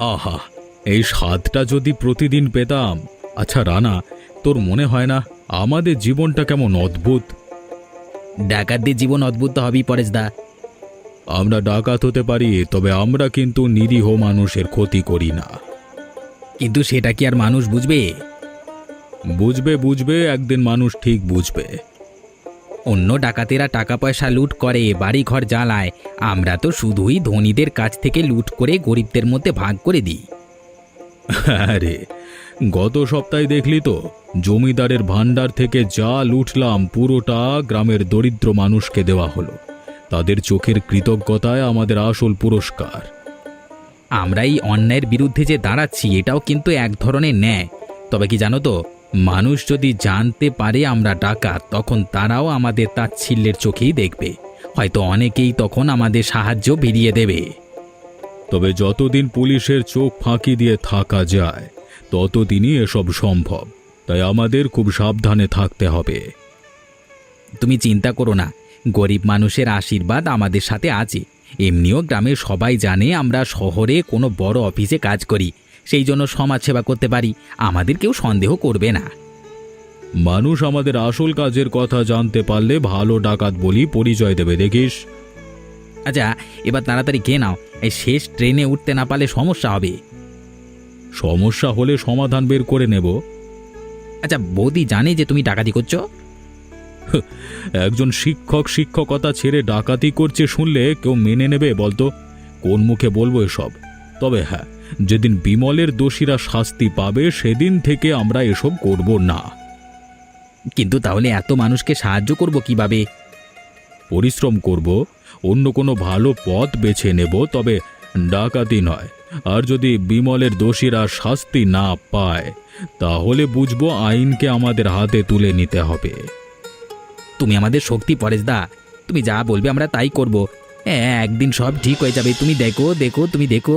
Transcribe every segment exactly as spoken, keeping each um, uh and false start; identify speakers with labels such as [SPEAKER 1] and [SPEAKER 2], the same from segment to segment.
[SPEAKER 1] আহা, এই স্বাদটা যদি প্রতিদিন পেতাম। আচ্ছা রানা, তোর মনে হয় না আমাদের জীবনটা কেমন অদ্ভুত?
[SPEAKER 2] ডাকাতদের জীবন অদ্ভুত তো হবেই পরেশদা।
[SPEAKER 1] আমরা ডাকাত হতে পারি, তবে আমরা কিন্তু নিরীহ মানুষের ক্ষতি করি না।
[SPEAKER 2] কিন্তু সেটা কি আর মানুষ বুঝবে?
[SPEAKER 1] বুঝবে বুঝবে একদিন মানুষ ঠিক বুঝবে।
[SPEAKER 2] অন্য ডাকাতেরা টাকা পয়সা লুট করে, বাড়ি ঘর জ্বালায়, আমরা তো শুধুই ধনীদের কাছ থেকে লুট করে গরিবদের মধ্যে ভাগ করে দিই।
[SPEAKER 1] আরে গত সপ্তাহে দেখলি তো, জমিদারের ভান্ডার থেকে যা লুটলাম পুরোটা গ্রামের দরিদ্র মানুষকে দেওয়া হলো। তাদের চোখের কৃতজ্ঞতায় আমাদের আসল পুরস্কার।
[SPEAKER 2] আমরা এই অন্যায়ের বিরুদ্ধে যে দাঁড়াচ্ছি এটাও কিন্তু এক ধরনের ন্যায়। তবে কি জানো তো, মানুষ যদি জানতে পারে আমরা ডাকাত, তখন তারাও আমাদের তাচ্ছিল্যের চোখেই দেখবে। হয়তো অনেকেই তখন আমাদের সাহায্য ভিড়িয়ে দেবে।
[SPEAKER 1] তবে যতদিন পুলিশের চোখ ফাঁকি দিয়ে থাকা যায় ততদিনই এসব সম্ভব। তাই আমাদের খুব সাবধানে থাকতে হবে।
[SPEAKER 2] তুমি চিন্তা করো না, গরিব মানুষের আশীর্বাদ আমাদের সাথে আছে। এমনিও গ্রামের সবাই জানে আমরা শহরে কোনো বড় অফিসে কাজ করি, সেই জন্য সমাজসেবা করতে পারি। আমাদের কেউ সন্দেহ করবে না।
[SPEAKER 1] মানুষ আমাদের আসল কাজের কথা জানতে পারলে ভালো ডাকাত বলি পরিচয় দেবে, দেখিস।
[SPEAKER 2] আচ্ছা, এবার তাড়াতাড়ি খেয়ে নাও, এই শেষ ট্রেনে উঠতে না পারলে সমস্যা হবে।
[SPEAKER 1] সমস্যা হলে সমাধান বের করে নেব।
[SPEAKER 2] আচ্ছা, বৌদি জানে যে তুমি ডাকাতি করছো?
[SPEAKER 1] একজন শিক্ষক শিক্ষকতা ছেড়ে ডাকাতি করছে শুনলে কেউ মেনে নেবে বলতো? কোন মুখে বলবো এসব? তবে হ্যাঁ, যেদিন বিমলের দোষীরা শাস্তি পাবে সেদিন থেকে আমরা এসব করব না।
[SPEAKER 2] কিন্তু তাহলে এত মানুষকে সাহায্য করব কিভাবে?
[SPEAKER 1] পরিশ্রম করব, অন্য কোনো ভালো পথ বেছে নেব, তবে ডাকাতি নয়। আর যদি বিমলের দোষীরা শাস্তি না পায় তাহলে বুঝবো আইনকে আমাদের হাতে তুলে নিতে হবে।
[SPEAKER 2] তুমি আমাদের শক্তি পরেশদা, তুমি যা বলবে আমরা তাই করব। হ্যাঁ, একদিন সব ঠিক হয়ে যাবে, তুমি দেখো দেখো তুমি দেখো।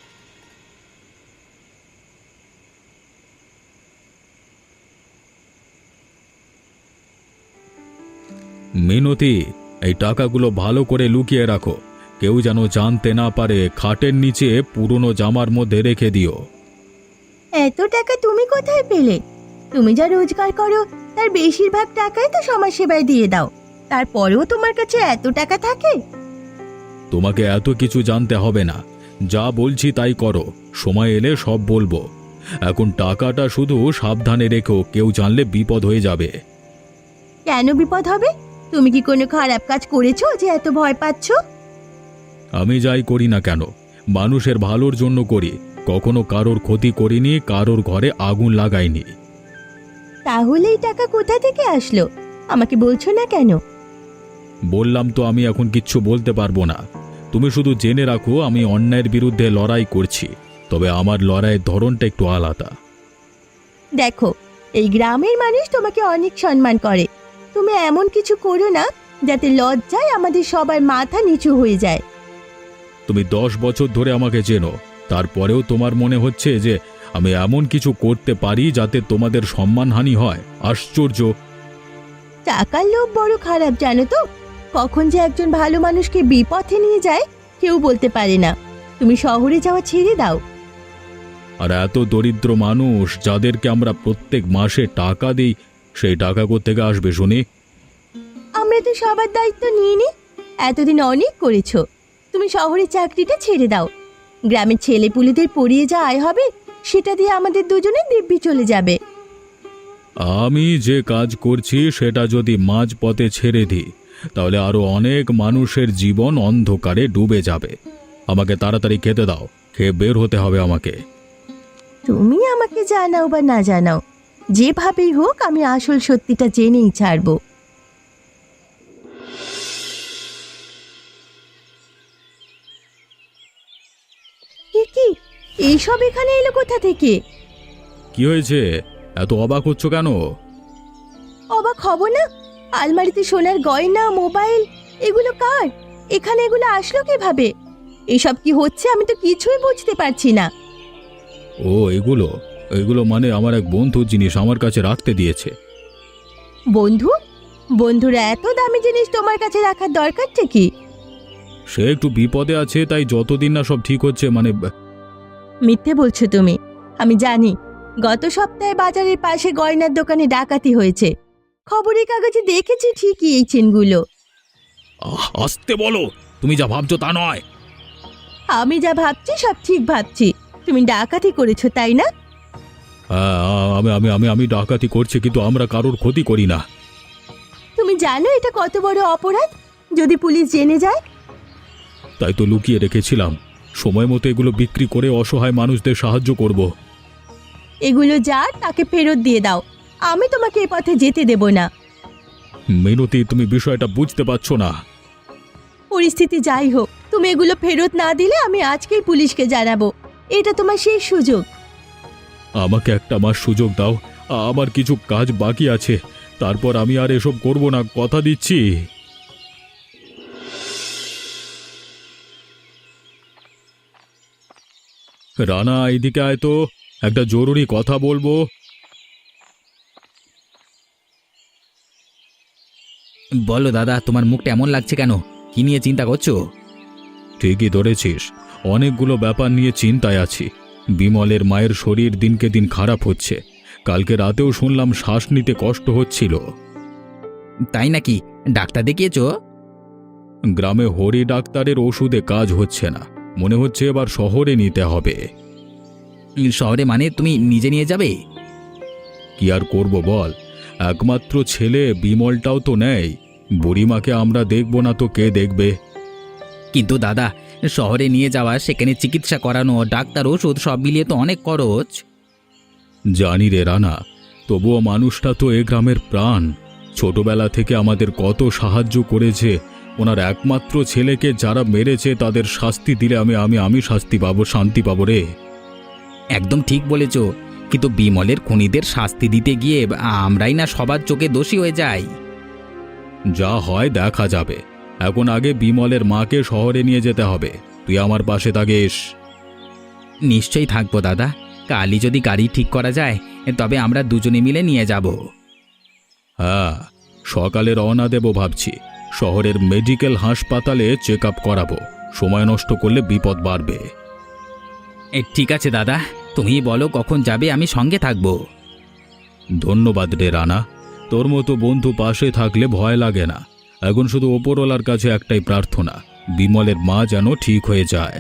[SPEAKER 1] মিনতি, এই টাকাগুলো ভালো করে লুকিয়ে রাখো। কেউ যেন জানতে না পারে। খাটের নিচে পুরনো জামার মধ্যে রেখে দিও।
[SPEAKER 3] এত টাকা তুমি কোথায় পেলে? তুমি যা রোজগার করো তার বেশিরভাগ টাকাই তো সমাজ সেবায় দিয়ে দাও, তারপরেও তোমার কাছে এত টাকা থাকে?
[SPEAKER 1] তোমাকে এত কিছু জানতে হবে না, যা বলছি তাই করো। সময় এলে সব বলবো। এখন টাকাটা শুধু সাবধানে রেখো, কেউ জানলে বিপদ হয়ে যাবে।
[SPEAKER 3] কেন বিপদ হবে? তুমি কি কোনো খারাপ কাজ করেছো যে এত ভয় পাচ্ছ?
[SPEAKER 1] আমি যাই করি না কেন মানুষের ভালোর জন্য করি। কখনো কারোর ক্ষতি করিনি, কারোর ঘরে আগুন লাগাইনি।
[SPEAKER 3] তাহলে এই টাকা কোথা থেকে আসলো আমাকে বলছো না কেন?
[SPEAKER 1] বললাম তো আমি এখন কিচ্ছু বলতে পারবো না। তুমি শুধু জেনে রাখো আমি অন্যায়ের বিরুদ্ধে লড়াই করছি, তবে আমার লড়াইয়ের ধরনটা একটু আলাদা।
[SPEAKER 3] দেখো, এই গ্রামের মানুষ তোমাকে অনেক সম্মান করে। তুমি এমন কিছু করো না যাতে লজ্জায় আমাদের সবার মাথা নিচু হয়ে যায়।
[SPEAKER 1] তুমি দশ বছর ধরে আমাকে চেনো, তারপরেও তোমার মনে হচ্ছে যে আমি এমন কিছু করতে পারি যাতে তোমাদের সম্মানহানি হয়? আশ্চর্য।
[SPEAKER 3] টাকার লোভ বড় খারাপ, জানো তো? কখন যে একজন ভালো মানুষকে বিপথে নিয়ে যায় কেউ বলতে পারে না। তুমি শহরে যাওয়া ছেড়ে দাও।
[SPEAKER 1] আর এত দরিদ্র মানুষ যাদেরকে আমরা প্রত্যেক মাসে টাকা দিই, সেই টাকা কোত্থেকে আসবে শুনি?
[SPEAKER 3] আমরা তো সবার দায়িত্ব নিয়ে নি, এতদিন অনেক করেছো। তুমি শহরের চাকরিটা ছেড়ে দাও। গ্রামের ছেলেপুলেদের পড়িয়ে যা আয় হবে সেটা দিয়ে আমাদের দুজনের দিব্যি চলে যাবে।
[SPEAKER 1] আমি যে কাজ করছি সেটা যদি মাঝপথে ছেড়ে দিই তাহলে আরো অনেক মানুষের জীবন অন্ধকারে ডুবে যাবে। আমাকে তাড়াতাড়ি খেতে দাও, খেয়ে বের হতে হবে আমাকে।
[SPEAKER 3] তুমি আমাকে জানাও বা না জানাও, যেভাবেই হোক আমি আসল সত্যিটা জেনেই ছাড়বো। এ কি, এইসব এখানে এলো কোথা থেকে?
[SPEAKER 1] কি হয়েছে? এত অবাক হচ্ছ কেন?
[SPEAKER 3] অবাক হব না? আলমারিতে সোনার গয়না, মোবাইল, এগুলো কার? এখানে এগুলো আসলো কিভাবে? এসব কি হচ্ছে আমি তো কিছুই বুঝতে পারছি না।
[SPEAKER 1] ও এগুলো এগুলো মানে আমার এক বন্ধুর জিনিস আমার কাছে রাখতে দিয়েছে।
[SPEAKER 3] বন্ধু? বন্ধুরা এত দামি জিনিস তোমার কাছে রাখার দরকারটা কি?
[SPEAKER 1] সে একটু বিপদে আছে, তাই যতদিন না সব ঠিক হচ্ছে মানে
[SPEAKER 3] মিথ্যে বলছো তুমি। আমি জানি গত সপ্তাহে বাজারের পাশে গয়নার দোকানে ডাকাতি হয়েছে। খবরের কাগজে দেখেছি ঠিকই এই চেনগুলো।
[SPEAKER 1] আহ, আসতে বলো, তুমি যা ভাবছো তা নয়।
[SPEAKER 3] আমি যা ভাবছি সব ঠিক ভাবছি। তুমি ডাকাতি করেছো তাই না?
[SPEAKER 1] হ্যাঁ, আমি আমি আমি আমি ডাকাতি করছি, কিন্তু আমরা কারোর ক্ষতি করি না।
[SPEAKER 3] তুমি জানো এটা কত বড় অপরাধ যদি পুলিশ জেনে যায়?
[SPEAKER 1] তাই তো লুকিয়ে রেখেছিলাম। সময় মতো এগুলো বিক্রি করে অসহায় মানুষদের সাহায্য করব।
[SPEAKER 3] এগুলো যার তাকে ফেরত দিয়ে দাও। আমি তোমাকে এ পথে যেতে দেব না।
[SPEAKER 1] মিনতি, তুমি বিষয়টা বুঝতে পারছো না।
[SPEAKER 3] পরিস্থিতি যাই হোক, তুমি এগুলো ফেরত না দিলে আমি আজকেই পুলিশকে জানাবো। এটা তোমার শেষ সুযোগ।
[SPEAKER 1] আমাকে একটা মাস সুযোগ দাও। আমার কিছু কাজ বাকি আছে, তারপর আমি আর এসব করব না, কথা দিচ্ছি। রানা, এইদিকে আয় তো, একটা জরুরি কথা বলবো।
[SPEAKER 2] বলো দাদা, তোমার মুখটা এমন লাগছে কেন? কি নিয়ে চিন্তা করছো?
[SPEAKER 1] ঠিকই ধরেছিস, অনেকগুলো ব্যাপার নিয়ে চিন্তায় আছি। বিমলের মায়ের শরীর দিনকে দিন খারাপ হচ্ছে। কালকে রাতেও শুনলাম শ্বাস নিতে কষ্ট হচ্ছিল।
[SPEAKER 2] তাই নাকি? ডাক্তার দেখিয়েছো?
[SPEAKER 1] গ্রামে হরি ডাক্তারের ওষুধে কাজ হচ্ছে না, মনে হচ্ছে এবার শহরে নিতে হবে।
[SPEAKER 2] শহরে মানে তুমি নিজে নিয়ে যাবে?
[SPEAKER 1] কি আর করব বল, একমাত্র ছেলে বিমলটাও তো নেই। বুড়িমাকে আমরা দেখব না তো কে দেখবে?
[SPEAKER 2] কিন্তু দাদা, শহরে নিয়ে যাওয়া, সেখানে চিকিৎসা করানো, ডাক্তার, ওষুধ সব মিলিয়ে তো অনেক খরচ।
[SPEAKER 1] জানি রে রানা, তবুও মানুষটা তো এ গ্রামের প্রাণ। ছোটবেলা থেকে আমাদের কত সাহায্য করেছে। ওনার একমাত্র ছেলেকে যারা মেরেছে তাদের শাস্তি দিলে আমি আমি আমি শাস্তি পাবো, শান্তি পাবো রে।
[SPEAKER 2] একদম ঠিক বলেছ, কিন্তু বিমলের খুনিদের শাস্তি দিতে গিয়ে আমরাই না সবার চোখে দোষী হয়ে যাই।
[SPEAKER 1] যা হয় দেখা যাবে। এখন আগে বিমলের মাকে শহরে নিয়ে যেতে হবে। তুই আমার পাশে থাকিস।
[SPEAKER 2] নিশ্চয়ই থাকবো দাদা। কালই যদি গাড়ি ঠিক করা যায় তবে আমরা দুজনে মিলে নিয়ে যাব।
[SPEAKER 1] হ্যাঁ, সকালে রওনা দেব ভাবছি। শহরের মেডিকেল হাসপাতালে চেক আপ করাবো। সময় নষ্ট করলে বিপদ বাড়বে।
[SPEAKER 2] এ ঠিক আছে দাদা, তুমি বলো কখন যাবে, আমি সঙ্গে থাকবো।
[SPEAKER 1] ধন্যবাদ রে রানা, তোর মতো বন্ধু পাশে থাকলে ভয় লাগে না। এখন শুধু ওপরওয়ালার কাছে একটাই প্রার্থনা, বিমলের মা যেন ঠিক হয়ে যায়।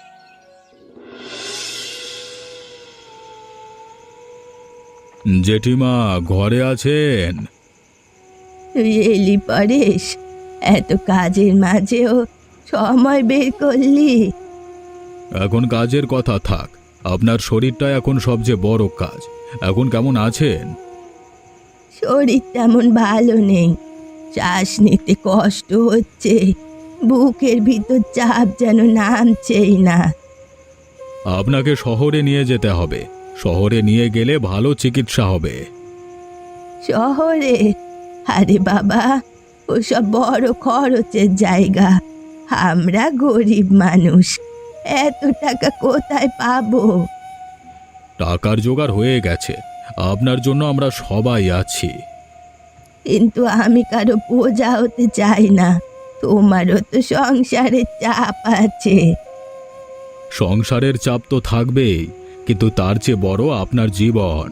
[SPEAKER 1] জেঠিমা ঘরে আছেন?
[SPEAKER 3] তুই এলি পরেশ, এত কাজের মাঝেও সময় বের করলি।
[SPEAKER 1] এখন কাজের কথা থাক, আপনার শরীরটা এখন সবচেয়ে বড় কাজ। এখন কেমন আছেন?
[SPEAKER 3] শরীর তেমন ভালো নেই, শ্বাস নিতে কষ্ট হচ্ছে, বুকের ভিতর চাপ যেন নামছেই না।
[SPEAKER 1] আপনাকে শহরে নিয়ে যেতে হবে। শহরে নিয়ে গেলে ভালো চিকিৎসা হবে।
[SPEAKER 3] শহরে? আরে বাবা, ওসব বড় খরচের জায়গা। আমরা গরিব মানুষ, এত টাকা কোথায় পাবো?
[SPEAKER 1] টাকার জোগাড় হয়ে গেছে, আপনার জন্য আমরা সবাই আছি।
[SPEAKER 3] কিন্তু আমি কারো বোঝা হতে চাই না। তোমারও তো সংসারের চাপ আছে।
[SPEAKER 1] সংসারের চাপ তো থাকবেই, কিন্তু তার চেয়ে বড় আপনার জীবন।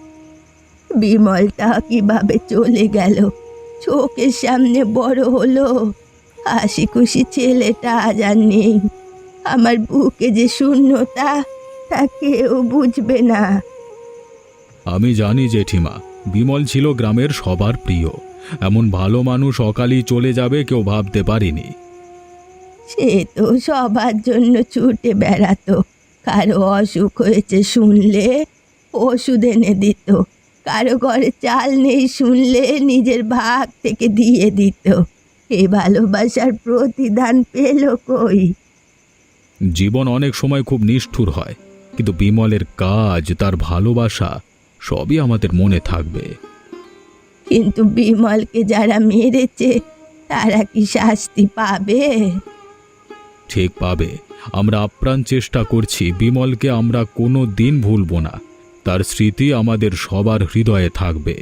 [SPEAKER 3] বিমলটা কিভাবে চলে গেল, চোখের সামনে বড় হলো, হাসি খুশি ছেলেটা আজ আর নেই। আমার বুকে যে শূন্যতা, তা কেউ বুঝবে না।
[SPEAKER 1] আমি জানি জেঠিমা, বিমল ছিল গ্রামের সবার প্রিয়। এমন ভালো মানুষ অকালই চলে যাবে কেউ ভাবতে পারিনি।
[SPEAKER 3] সে তো সবার জন্য ছুটে বেড়াতো। কারো অসুখ হয়েছে শুনলে ওষুধ এনে দিত, কারো ঘরে চাল নেই শুনলে নিজের ভাগ থেকে দিয়ে দিত। এই ভালোবাসার প্রতিদান পেল কই?
[SPEAKER 1] জীবন অনেক সময় খুব নিষ্ঠুর হয়, কিন্তু বিমলের কাজ, তার ভালোবাসা সবই আমাদের মনে থাকবে।
[SPEAKER 3] কিন্তু বিমলকে যারা মেরেছে তারা কি শাস্তি পাবে?
[SPEAKER 1] ঠিক পাবে। আমরা আপ্রাণ চেষ্টা করছি, বিমলকে আমরা কোনো দিন ভুলব না। তার স্মৃতি আমাদের সবার হৃদয়ে থাকবে।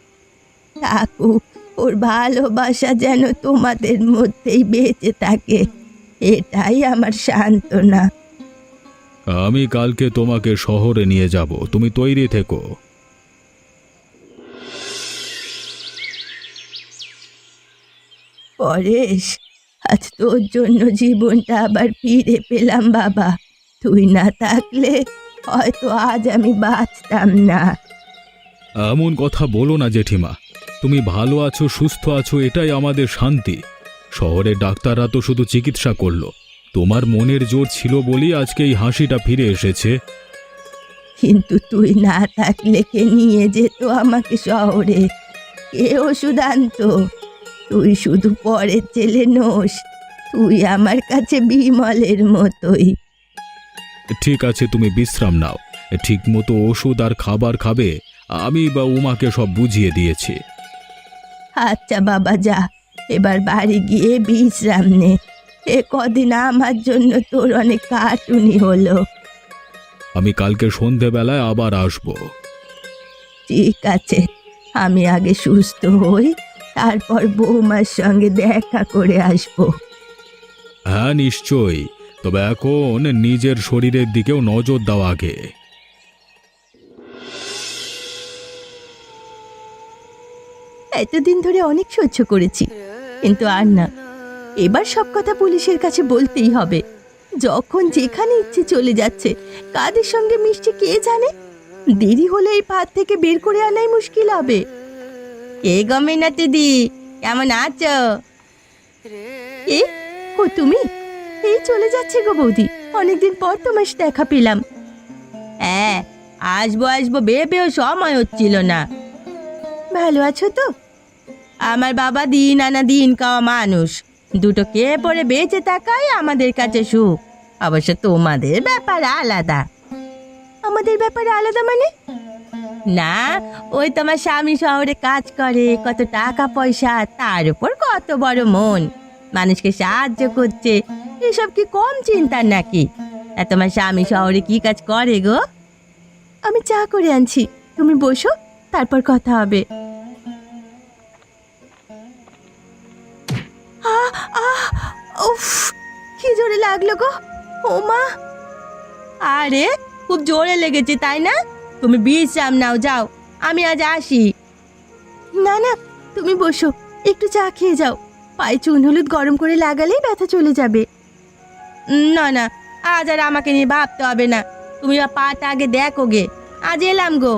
[SPEAKER 3] থাকুক, ওর ভালোবাসা যেন তোমাদের মধ্যেই বেঁচে থাকে, এটাই আমার সান্ত্বনা।
[SPEAKER 1] আমি কালকে তোমাকে শহরে নিয়ে যাব, তুমি তৈরি থেকো।
[SPEAKER 3] পরেশ, আজ তোর জন্য জীবনটা আবার ফিরে পেলাম বাবা। তুই না থাকলে হয়তো আজ আমি বাঁচতাম না।
[SPEAKER 1] এমন কথা বলো না জেঠিমা, তুমি ভালো আছো, সুস্থ আছো, এটাই আমাদের শান্তি। শহরের ডাক্তাররা তো শুধু চিকিৎসা করলো, তোমার মনের জোর ছিল বলেই আজকে এই হাসিটা ফিরে এসেছে।
[SPEAKER 3] কিন্তু তুই না থাকলে কে নিয়ে যেত আমাকে শহরে? কে ওষুধ আনতো? তুই শুধু পরের ছেলে নোস, তুই আমার কাছে বিমলের মতোই।
[SPEAKER 1] ঠিক আছে, তুমি বিশ্রাম নাও, ঠিক মতো ওষুধ আর খাবার খাবে। আমি বা উমাকে সব বুঝিয়ে দিয়েছি।
[SPEAKER 3] আচ্ছা বাবা, যা এবার বাড়ি গিয়ে বিশ্রাম নে। এ কদিন আমার জন্য তোর অনেক কাটুনি হলো।
[SPEAKER 1] আমি কালকে সন্ধেবেলায় আবার আসব।
[SPEAKER 3] ঠিক আছে, আমি আগে সুস্থ হই, তারপর বৌমার সঙ্গে দেখা করে আসবো।
[SPEAKER 1] হ্যাঁ নিশ্চয়ই, তবে এখন নিজের শরীরের দিকেও নজর দাও আগে।
[SPEAKER 3] এতদিন ধরে অনেক সহ্য করেছি, কিন্তু আর না। এবার সব কথা পুলিশের কাছে বলতেই হবে। যখন যেখানে ইচ্ছে চলে যাচ্ছে, কাদের সঙ্গে মিশছে কে জানে। দেরি হলে এই পাত থেকে বের করে আনাই মুশকিল হবে। কে গমে না দিদি, কেমন আছো? এ ও তুমি? এই চলে যাচ্ছে গো বৌদি, অনেকদিন পর তোমার সাথে দেখা পেলাম। হ্যাঁ, আসবো আসবো ভেবেও সময় হচ্ছিল না। ভালো আছো তো? আমার বাবা দিন আনা দিন খাওয়া মানুষ, দুটো কে পরে বেঁচে থাকাই আমাদের কাছে সুখ। অবশ্য তোমাদের ব্যাপার আলাদা। আমাদের ব্যাপার আলাদা মানে? না, ওই তোমার স্বামী শহরে কাজ করে, কত টাকা পয়সা, তার উপর কত বড় মন, মানুষকে সাহায্য করছে, এসব কি কম চিন্তার নাকি? আর তোমার স্বামী শহরে কি কাজ করে গো? আমি চা করে আনছি, তুমি বসো, তারপর কথা হবে। আহ আহ উফ, কি জোরে লাগলো গো! ও মা! আরে খুব জোরে লেগেছে তাই না? তুমি বিশ্রাম নাও, যাও, আমি আজ আসি। না না, তুমি বসো, একটু চা খেয়ে যাও। পায়ে চুন হলুদ গরম করে লাগালেই ব্যথা চলে যাবে। না না, আজ আর আমাকে নিয়ে ভাবতে হবে না। তুমি বা পাটা আগে দেখো গে, আজ এলাম গো।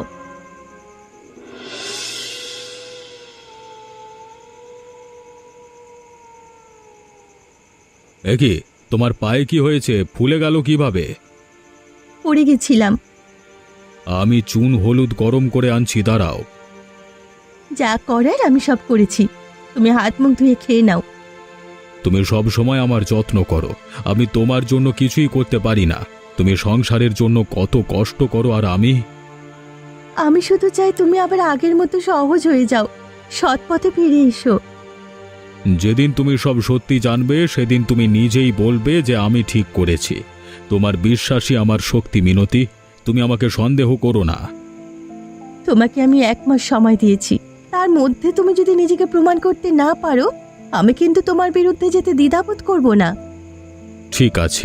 [SPEAKER 1] এ কি, তোমার পায়ে কি হয়েছে? ফুলে গেল কিভাবে?
[SPEAKER 3] পড়ে গেছিলাম।
[SPEAKER 1] আমি চুন হলুদ গরম করে আনছি, দাঁড়াও।
[SPEAKER 3] যা করার আমি সব করেছি, তুমি হাত মুখ ধুয়ে খেয়ে নাও।
[SPEAKER 1] তুমি সব সময় আমার যত্ন করো, আমি তোমার জন্য কিছুই করতে পারি না। তুমি সংসারের জন্য কত কষ্ট করো, আর আমি
[SPEAKER 3] আমি শুধু চাই তুমি আবার আগের মতো সহজ হয়ে যাও, সৎ পথে ফিরে এসো।
[SPEAKER 1] যেদিন তুমি সব সত্যি জানবে সেদিন তুমি নিজেই বলবে যে আমি ঠিক করেছি। তোমার বিশ্বাসই আমার শক্তি মিনতি, তুমি আমাকে সন্দেহ করো না।
[SPEAKER 3] তোমাকে আমি এক মাস সময় দিয়েছি, তার মধ্যে তুমি যদি নিজেকে প্রমাণ করতে না পারো, আমি কিন্তু তোমার বিরুদ্ধে যেতে দ্বিধাবোধ করব না।
[SPEAKER 1] ঠিক আছে।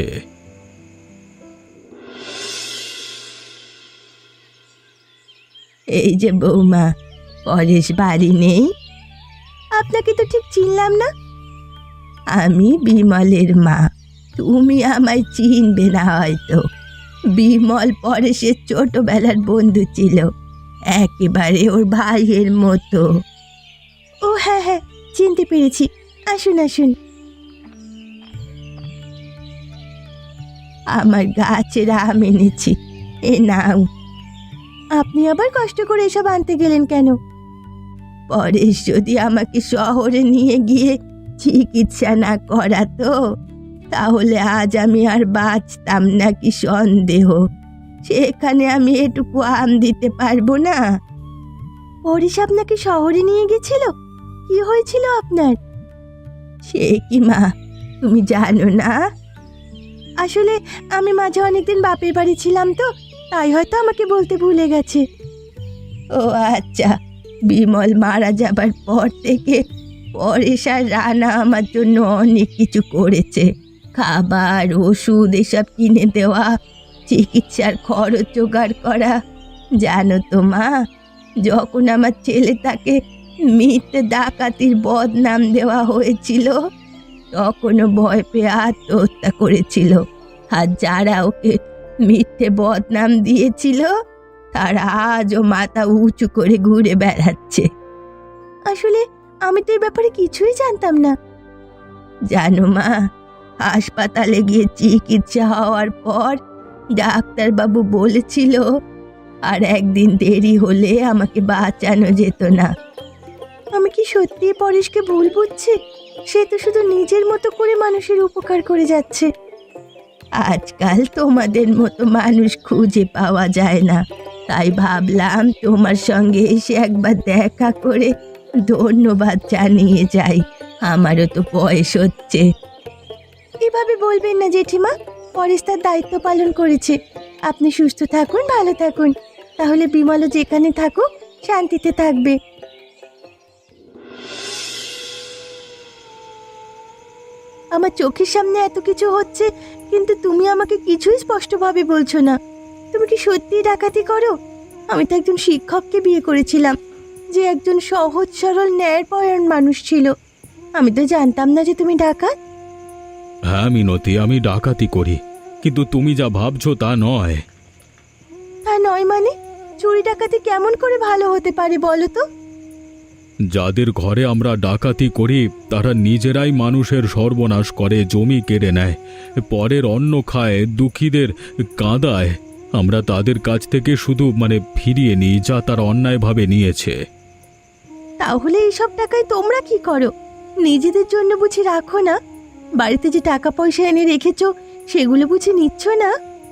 [SPEAKER 3] এই যে বৌমা, পরেশ বাড়ি নেই? আপনাকে তো ঠিক চিনলাম না। আমি বিমলের মা, তুমি আমায় চিনবে না হয়তো। বিমল পরেশের ছোটবেলার বন্ধু ছিল, একেবারে ওর ভাইয়ের মতো। ও হ্যাঁ হ্যাঁ, চিনতে পেরেছি। আসুন আসুন। আমার গাছের আম এনেছি, এ নাও। আপনি আবার কষ্ট করে এসব আনতে গেলেন কেন? পরেশ যদি আমাকে শহরে নিয়ে গিয়ে চিকিৎসা না করাতো, তাহলে আজ আমি আর বাঁচতাম না কি সন্দেহ। সেখানে আমি এটুকু আম দিতে পারবো না? পরেশ আপনাকে শহরে নিয়ে গেছিল? কি হয়েছিল আপনার? সে কি মা, তুমি জানো না? আসলে আমি মাঝে অনেকদিন বাপের বাড়ি ছিলাম তো, তাই হয়তো আমাকে বলতে ভুলে গেছে। ও আচ্ছা, বিমল মারা যাবার পর থেকে পরেশ আর রানা আমার জন্য অনেক কিছু করেছে। খাবার, ওষুধ এসব কিনে দেওয়া, চিকিৎসার খরচ জোগাড় করা। জানো তো মা, যখন আমার ছেলেটাকে মিথ্যে ডাকাতির বদনাম দেওয়া হয়েছিল তখনও ভয় পেয়ে আত্মহত্যা করেছিল। আর যারা ওকে মিথ্যে বদনাম দিয়েছিল তারা আজও মাথা উঁচু করে ঘুরে বেড়াচ্ছে। আসলে আমি তো এই ব্যাপারে কিছুই জানতাম না। জানো মা, হাসপাতালে গিয়ে চিকিৎসা হওয়ার পর ডাক্তারবাবু বলেছিল আর একদিন দেরি হলে আমাকে বাঁচানো যেত না। আমি কি সত্যি পরেশকে ভুল বুঝছি? সে তো শুধু নিজের মতো করে মানুষের উপকার করে যাচ্ছে। আজকাল তোমাদের মতো মানুষ খুঁজে পাওয়া যায় না, তাই ভাবলাম তোমার সঙ্গে এসে একবার দেখা করে ধন্যবাদ জানিয়ে যাই। আমারও তো বয়স হচ্ছে। এভাবে বলবেন না জেঠিমা, পরেশ তার দায়িত্ব পালন করেছে। আপনি সুস্থ থাকুন, ভালো থাকুন, তাহলে বিমলও যেখানে থাকুক শান্তিতে থাকবে। আমার চোখের সামনে এত কিছু হচ্ছে, কিন্তু তুমি আমাকে কিছুই স্পষ্টভাবে বলছো না। তুমি কি সত্যিই ডাকাতি করো? আমি তো একজন শিক্ষককে বিয়ে করেছিলাম, যে একজন সহজ সরল ন্যায়পরায়ণ মানুষ ছিল। আমি তো জানতাম না যে তুমি ডাকাত।
[SPEAKER 1] হ্যাঁ মিনতি, আমি ডাকাতি করি, কিন্তু তুমি যা ভাবছো তা নয়।
[SPEAKER 3] তা নয় মানে? চুরি ডাকাতি কেমন করে ভালো হতে পারে বলো তো?
[SPEAKER 1] যাদের ঘরে আমরা ডাকাতি করি তারা নিজেরাই মানুষের সর্বনাশ করে, জমি কেড়ে নেয়, পরের অন্ন খায়, দুঃখীদের কাঁদায়। আমরা তাদের কাছ থেকে শুধু মানে ফিরিয়ে নিই যা তারা অন্যায়ভাবে নিয়েছে।
[SPEAKER 3] তাহলে এইসব টাকায় তোমরা কি করো? নিজেদের জন্য বুঝি রাখো না? বাড়িতে যে টাকা পয়সা এনে রেখেছো সেগুলো বুঝি নিচ্ছ না?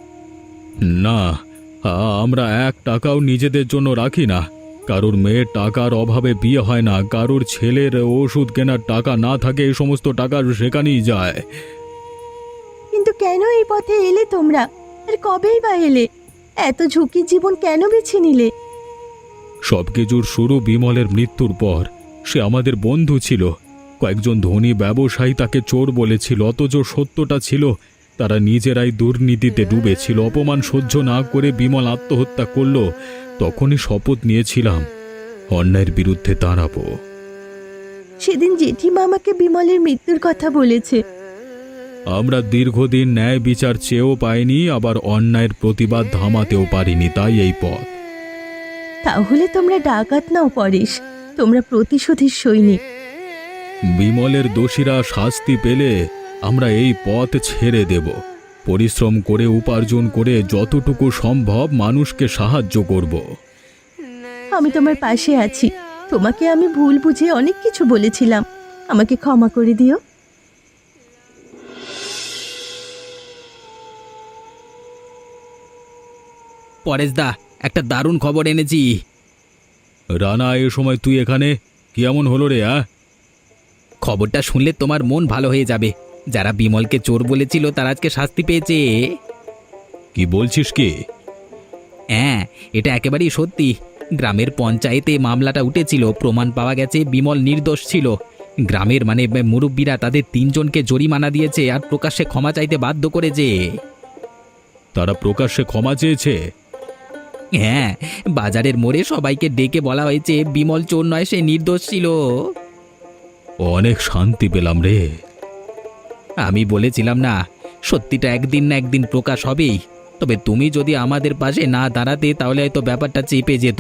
[SPEAKER 1] না, আ- আমরা এক টাকাও নিজেদের জন্য রাখি না। কারোর মেয়ের টাকার অভাবে বিয়ে হয় না, কারোর ছেলের ওষুধ কেনার টাকা না থাকে, এই সমস্ত টাকা সেখানেই যায়।
[SPEAKER 3] কিন্তু কেন এই পথে এলে তোমরা? আর কবেই বা এলে? এত ঝুঁকির জীবন কেন বেছে নিলে?
[SPEAKER 1] সবকিছুর শুরু বিমলের মৃত্যুর পর। সে আমাদের বন্ধু ছিল। কয়েকজন ধনী ব্যবসায়ী তাকে চোর বলেছিল, অথচ সত্যটা ছিল তারা নিজেরাই দুর্নীতিতে ডুবেছিল। অপমান সহ্য না করে বিমল আত্মহত্যা করল। তখনই শপথ নিয়েছিলাম অন্যায়ের বিরুদ্ধে দাঁড়াবো।
[SPEAKER 3] সেদিন জেঠিমা আমাকে বিমলের মৃত্যুর কথা বলেছে।
[SPEAKER 1] আমরা দীর্ঘদিন ন্যায় বিচার চেয়েও পাইনি, আবার অন্যায়ের প্রতিবাদ থামাতেও পারিনি, তাই এই পথ।
[SPEAKER 3] তাহলে তোমরা ডাকাত নাও পরেশ, তোমরা প্রতিশোধের সৈনিক।
[SPEAKER 1] বিমলের দোষীরা শাস্তি পেলে আমরা এই পথ ছেড়ে দেব। পরিশ্রম করে উপার্জন করে যতটুকু সম্ভব মানুষকে সাহায্য করব।
[SPEAKER 3] আমি তোমার পাশে আছি। তোমাকে আমি ভুল বুঝে অনেক কিছু বলেছিলাম, আমাকে ক্ষমা করে দিও।
[SPEAKER 2] পরেশদা, একটা দারুণ খবর এনেছি।
[SPEAKER 1] রানা, এ সময় তুই এখানে? কি এমন হলো রে? আ
[SPEAKER 2] খবরটা শুনলে তোমার মন ভালো হয়ে যাবে। যারা বিমলকে চোর বলেছিল তারা আজকে শাস্তি পেয়েছে।
[SPEAKER 1] কি বলছিস কি?
[SPEAKER 2] হ্যাঁ, এটা একেবারেই সত্যি। গ্রামের পঞ্চায়েতে মামলাটা উঠেছিল, প্রমাণ পাওয়া গেছে বিমল নির্দোষ ছিল। গ্রামের মানে মুরব্বীরা তাদের তিনজনকে জরিমানা দিয়েছে আর প্রকাশ্যে ক্ষমা চাইতে বাধ্য করেছে।
[SPEAKER 1] তারা প্রকাশ্যে ক্ষমা চেয়েছে?
[SPEAKER 2] হ্যাঁ, বাজারের মোড়ে সবাইকে ডেকে বলা হয়েছে বিমল চোর নয়, সে নির্দোষ ছিল।
[SPEAKER 1] অনেক শান্তি পেলাম রে।
[SPEAKER 2] আমি বলেছিলাম না, সত্যিটা একদিন না একদিন প্রকাশ হবেই। তবে তুমি যদি আমাদের পাশে না দাঁড়াতে তাহলে হয়তো ব্যাপারটা চেপে যেত।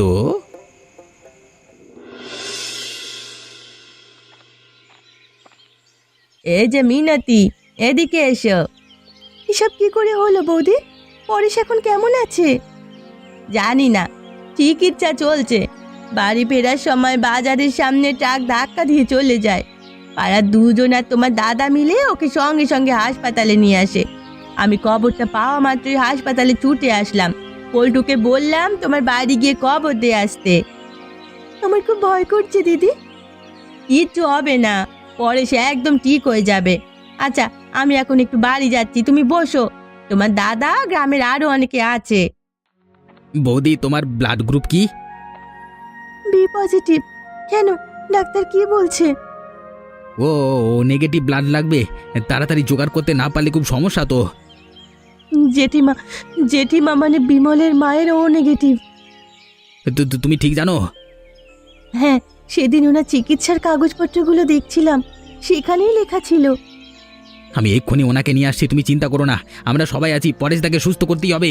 [SPEAKER 3] এই যে মিনতি, এদিকে এসো। এসব কি করে হলো বৌদি? পরেশ এখন কেমন আছে? জানি না, চিকিৎসা চলছে। বাড়ি ফেরার সময় বাজারের সামনে ট্রাক ধাক্কা দিয়ে চলে যায়। পাড়ার দুজন আর তোমার দাদা মিলে ওকে সঙ্গে সঙ্গে হাসপাতালে নিয়ে আসে। আমি খবরটা পাওয়া মাত্রই হাসপাতালে ছুটে আসলাম। পল্টুকে বললাম তোমার বাড়ি গিয়ে খবর দিয়ে আসতে। আমার খুব ভয় করছে দিদি। কিচ্ছু হবে না, পরে সে একদম ঠিক হয়ে যাবে। আচ্ছা, আমি এখন একটু বাড়ি যাচ্ছি, তুমি বসো। তোমার দাদা, গ্রামের আরো অনেকে আছে।
[SPEAKER 2] বৌদি, তোমার ব্লাড গ্রুপ কি?
[SPEAKER 3] B positive. কেন, ডাক্তার কি বলছে?
[SPEAKER 2] ও নেগেটিভ ব্লাড লাগবে। তাড়াতাড়ি জোগাড় করতে না পারলে খুব সমস্যা তো।
[SPEAKER 3] জেঠিমা জেঠিমা মানে বিমলের মায়ের ও নেগেটিভ।
[SPEAKER 2] তু- তু- তুমি ঠিক জানো?
[SPEAKER 3] হ্যাঁ, সেদিন ওনার চিকিৎসার কাগজপত্রগুলো দেখছিলাম, সেখানেই লেখা ছিল।
[SPEAKER 2] আমি এক্ষুনি ওনাকে নিয়ে আসছি, তুমি চিন্তা করো না, আমরা সবাই আছি, পরেশদাকে সুস্থ করতেই হবে।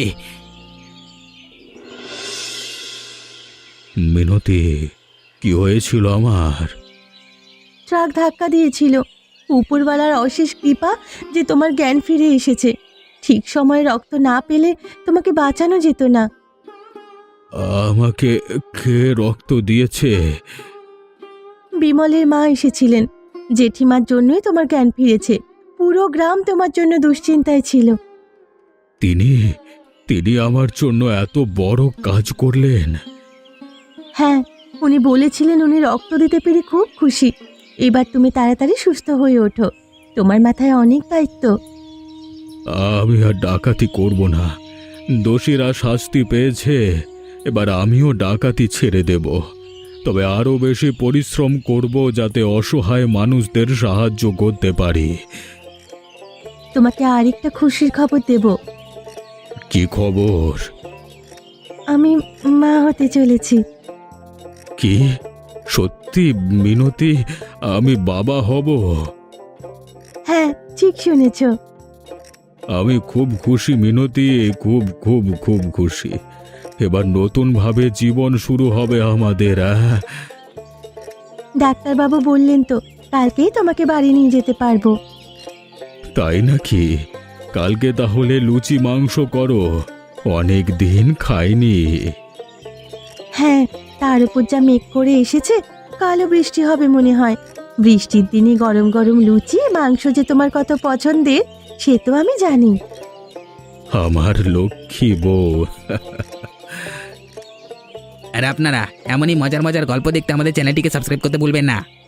[SPEAKER 1] মিনতি, কি হয়েছিল আমার?
[SPEAKER 3] ট্রাক ধাক্কা দিয়েছিল। উপরওয়ালার অশেষ কৃপা যে তোমার জ্ঞান ফিরে এসেছে। ঠিক সময়ে রক্ত না পেলে তোমাকে বাঁচানো যেত না।
[SPEAKER 1] আমাকে কে রক্ত দিয়েছে?
[SPEAKER 3] বিমলের মা এসেছিলেন। জেঠিমার জন্যই তোমার জ্ঞান ফিরেছে। পুরো গ্রাম তোমার জন্য দুশ্চিন্তায় ছিল।
[SPEAKER 1] তিনি তিনি আমার জন্য এত বড় কাজ করলেন?
[SPEAKER 3] হ্যাঁ, উনি বলেছিলেন উনি রক্ত দিতে পেরে খুব খুশি। এবার তুমি তাড়াতাড়ি সুস্থ হয়ে ওঠো, তোমার মাথায় অনেক দায়িত্ব।
[SPEAKER 1] আমি আর ডাকাতি করব না। দোষীরা শাস্তি পেয়েছে, এবার আমিও ডাকাতি ছেড়ে দেব। তবে আরো বেশি পরিশ্রম করব যাতে অসহায় মানুষদের সাহায্য করতে পারি।
[SPEAKER 3] তোমাকে আরেকটা খুশির খবর দেব।
[SPEAKER 1] কি খবর?
[SPEAKER 3] আমি মা হতে চলেছি।
[SPEAKER 1] কি সত্যি মিনতি? আমি বাবা হব?
[SPEAKER 3] হ্যাঁ, ঠিক শুনেছ।
[SPEAKER 1] আমি খুব খুশি মিনতি, খুব খুব খুব খুশি। এবার নতুনভাবে জীবন শুরু হবে আমাদের। আহ!
[SPEAKER 3] ডাক্তারবাবু বললেন তো কালকেই তোমাকে বাড়ি নিয়ে যেতে পারবো।
[SPEAKER 1] তাই নাকি? কালকে তাহলে লুচি মাংস করো, অনেক দিন খাইনি।
[SPEAKER 3] হ্যাঁ, তার উপর যা মেঘ করে এসেছে, কালো বৃষ্টি হবে মনে হয়। বৃষ্টির দিনে গরম গরম লুচি মাংস যে তোমার কত পছন্দের সে তো আমি জানি।
[SPEAKER 1] আমার লক্ষ্মী বউ।
[SPEAKER 2] আর আপনারা এমনই মজার মজার গল্প দেখতে আমাদের চ্যানেলটিকে সাবস্ক্রাইব করতে ভুলবেন না।